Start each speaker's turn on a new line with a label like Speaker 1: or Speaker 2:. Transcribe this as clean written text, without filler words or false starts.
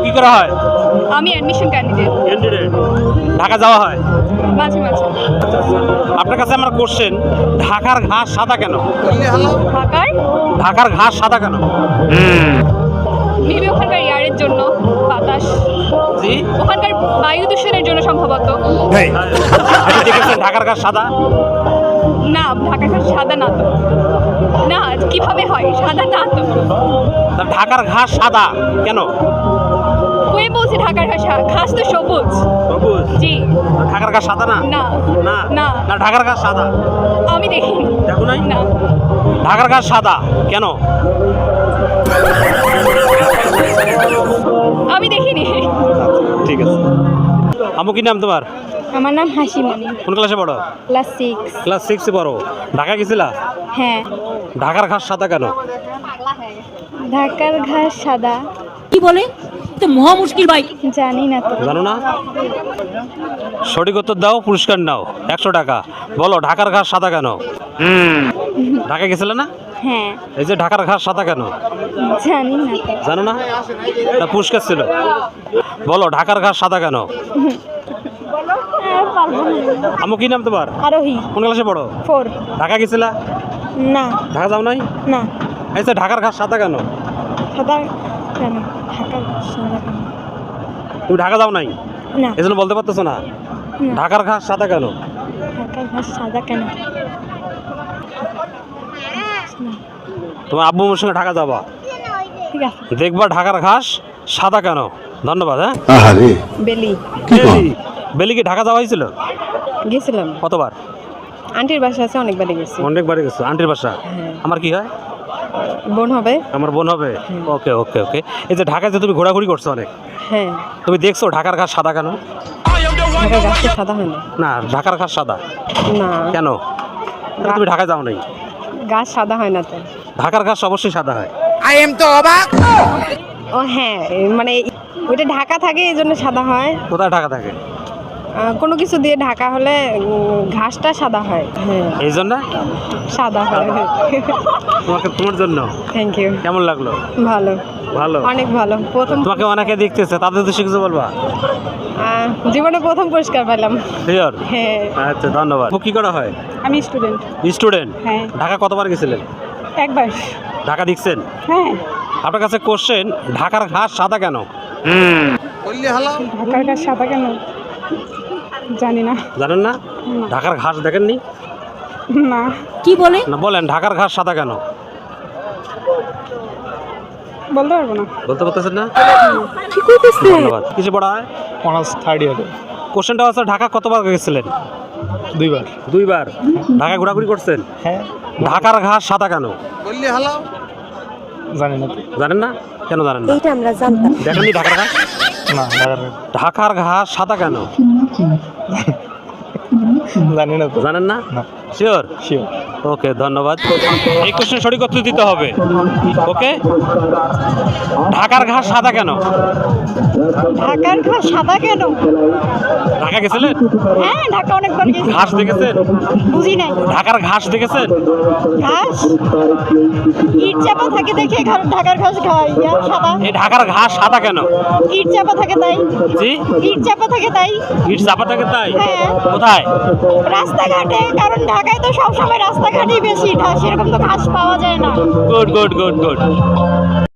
Speaker 1: কি করা হয়?
Speaker 2: আমি অ্যাডমিশন ক্যান্ডিডেট।
Speaker 1: ঢাকা যাওয়া হয়?
Speaker 2: মাঝে মাঝে।
Speaker 1: আপনার কাছে আমার কোশ্চেন, ঢাকার ঘাস সাদা কেন?
Speaker 2: ঢাকার
Speaker 1: ঢাকার ঘাস সাদা কেন?
Speaker 2: মেবি ওখানকার এয়ারের জন্য, বাতাস,
Speaker 1: জি,
Speaker 2: ওখানকার বায়ু দূষণের জন্য সম্ভবত।
Speaker 1: আপনি দেখেছেন ঢাকার ঘাস সাদা?
Speaker 2: না, ঢাকার ঘাস সাদা না তো। না, কিভাবে হয়? সাদা না তো।
Speaker 1: তা ঢাকার ঘাস সাদা কেন?
Speaker 2: ওই বলছে ঢাকার ঘাস, ঘাস তো সবুজ।
Speaker 1: সবুজ?
Speaker 2: জি।
Speaker 1: ঢাকার ঘাস সাদা না?
Speaker 2: না
Speaker 1: না
Speaker 2: না,
Speaker 1: না, ঢাকার ঘাস সাদা।
Speaker 2: আমি দেখিনি।
Speaker 1: দেখো নাই?
Speaker 2: না,
Speaker 1: ঢাকার ঘাস সাদা কেন?
Speaker 2: আমি দেখিনি।
Speaker 1: ঠিক আছে। আমু, কি নাম তোমার?
Speaker 2: আমার নাম হাসিমণি।
Speaker 1: কোন ক্লাসে পড়ো?
Speaker 2: ক্লাস 6।
Speaker 1: ক্লাস 6 পড়ো। ঢাকা গেছিলা?
Speaker 2: হ্যাঁ।
Speaker 1: ঢাকার ঘাস সাদা কেন?
Speaker 2: ঢাকার ঘাস সাদা
Speaker 3: কি বলে? তো মহা মুশকিল ভাই।
Speaker 2: জানি না তো।
Speaker 1: জানো না? সঠিক উত্তর দাও, পুরস্কার নাও 100 টাকা। বলো ঢাকার ঘাস সাদা কেন? ঢাকা গেছিলে না?
Speaker 2: হ্যাঁ।
Speaker 1: এই যে ঢাকার ঘাস সাদা কেন?
Speaker 2: জানি না তো।
Speaker 1: জানো না? তা পুরস্কার ছিল। বলো ঢাকার ঘাস সাদা কেন? আমু, কি নাম তোমার?
Speaker 2: আরোহী।
Speaker 1: কোন ক্লাসে পড়ো?
Speaker 2: 4।
Speaker 1: ঢাকা গেছিলা?
Speaker 2: না
Speaker 1: ঢাকা যাও নাই?
Speaker 2: না।
Speaker 1: এই যে ঢাকার ঘাস সাদা কেন?
Speaker 2: সাদা কেন? ঢাকার ঘাস সাদা কেন?
Speaker 1: তুমি ঢাকা যাও নাই,
Speaker 2: না।
Speaker 1: এই জন্য বলতে পারতেছো না। ঢাকার ঘাস সাদা কেন?
Speaker 2: ঢাকার ঘাস সাদা কেন?
Speaker 1: তোমার আব্বু আম্মুর সঙ্গে ঢাকা যাবা,
Speaker 2: ঠিক আছে।
Speaker 1: দেখবা ঢাকার ঘাস সাদা কেন। ধন্যবাদ। হ্যাঁ,
Speaker 2: বেলি।
Speaker 1: বেলি কি ঢাকা যাওয়া হয়েছিল?
Speaker 2: গেছিলাম।
Speaker 1: কতবার?
Speaker 2: আন্টির বাসা আছে, অনেকবারই গেছি।
Speaker 1: অনেকবারই গেছো। আন্টির বাসা? আমার কি হয়?
Speaker 2: বোন হবে।
Speaker 1: আমার বোন হবে। ওকে ওকে ওকে। এই যে ঢাকায় যে তুমি ঘোরাঘুরি করছো অনেক,
Speaker 2: হ্যাঁ।
Speaker 1: তুমি দেখছো ঢাকার ঘাস সাদা কেন?
Speaker 2: ঢাকার ঘাস তো সাদা হয় না।
Speaker 1: না, ঢাকার ঘাস সাদা
Speaker 2: না,
Speaker 1: কেন? তুমি ঢাকা যাও নাই।
Speaker 2: ঘাস সাদা হয় না তো।
Speaker 1: ঢাকার ঘাস অবশ্যই সাদা হয়।
Speaker 2: ও হ্যাঁ, মানে ওইটা ঢাকা থাকে এই জন্য সাদা হয়।
Speaker 1: কোথায় ঢাকা থাকে?
Speaker 2: কোনো কিছু দিয়ে ঢাকা হলে ঘাসটা সাদা হয়। হ্যাঁ,
Speaker 1: এই জন্য
Speaker 2: সাদা হয়।
Speaker 1: তোমার জন্য
Speaker 2: থ্যাংক ইউ।
Speaker 1: কেমন লাগলো?
Speaker 2: ভালো,
Speaker 1: ভালো,
Speaker 2: অনেক ভালো। প্রথম
Speaker 1: তোমাকে অনেকে দেখতেছে, তাদের তো কিছু বলবা?
Speaker 2: জীবনে প্রথম পুরস্কার পেলাম।
Speaker 1: শিওর?
Speaker 2: হ্যাঁ।
Speaker 1: আচ্ছা, ধন্যবাদ। কি করা হয়?
Speaker 2: আমি স্টুডেন্ট।
Speaker 1: স্টুডেন্ট?
Speaker 2: হ্যাঁ।
Speaker 1: ঢাকা কতবার গেছিলেন?
Speaker 2: একবার।
Speaker 1: ঢাকা দেখছেন?
Speaker 2: হ্যাঁ।
Speaker 1: আপনার কাছে কোশ্চেন, ঢাকার ঘাস সাদা কেন?
Speaker 2: ঢাকার ঘাস সাদা কেন? জানি না।
Speaker 1: জানেন না? ঢাকার ঘাস দেখেননি?
Speaker 2: না।
Speaker 3: কি বলে?
Speaker 1: না, বলেন ঢাকার ঘাস সাদা কেন?
Speaker 2: বলতে পারবো না।
Speaker 1: বলতে পারতেছেন না?
Speaker 3: কি কইতেছে?
Speaker 1: ধন্যবাদ। কিছু পড়া হয়?
Speaker 4: অনার্স 3rd ইয়ারে।
Speaker 1: কোশ্চেনটা হচ্ছে, ঢাকা কতবার গেছিলেন?
Speaker 4: 2বার।
Speaker 1: 2বার। ঢাকা ঘোরাঘুরি করছেন?
Speaker 4: হ্যাঁ।
Speaker 1: ঢাকার ঘাস সাদা কেন?
Speaker 4: জানি না তো।
Speaker 1: জানেন না? কেন জানেন না?
Speaker 3: এইটা আমরা জানতাম।
Speaker 1: দেখেননি ঢাকার ঘাস?
Speaker 4: না,
Speaker 1: ঢাকার ঘাস সাদা কেন?
Speaker 4: জানি না তো।
Speaker 1: জানেন না?
Speaker 4: না।
Speaker 1: শিওর?
Speaker 4: শিওর।
Speaker 1: ওকে, ধন্যবাদ। এই কোশ্চেন সঠিক উত্তর দিতে হবে। ওকে। ঢাকার ঘাস সাদা কেন?
Speaker 2: ঢাকার ঘাস সাদা কেন?
Speaker 1: ঢাকা গেছিলেন?
Speaker 2: হ্যাঁ, ঢাকা অনেকবার গেছি।
Speaker 1: ঘাস দেখেছেন?
Speaker 2: বুঝি নাই।
Speaker 1: ঢাকার ঘাস দেখেছেন?
Speaker 2: ঘাস ইট চাপা থাকে দেখে ঢাকার ঘাস খাই সাদা।
Speaker 1: এই ঢাকার ঘাস সাদা কেন?
Speaker 2: ইট চাপা থাকে তাই।
Speaker 1: জি,
Speaker 2: ইট চাপা থাকে তাই।
Speaker 1: ইট চাপা থাকে তাই?
Speaker 2: হ্যাঁ।
Speaker 1: কোথায়?
Speaker 2: রাস্তাঘাটে, কারণ ঢাকায় তো সবসময় রাস্তাঘাটই বেশি, সেরকম তো ঘাস পাওয়া যায় না।
Speaker 1: Good good good good.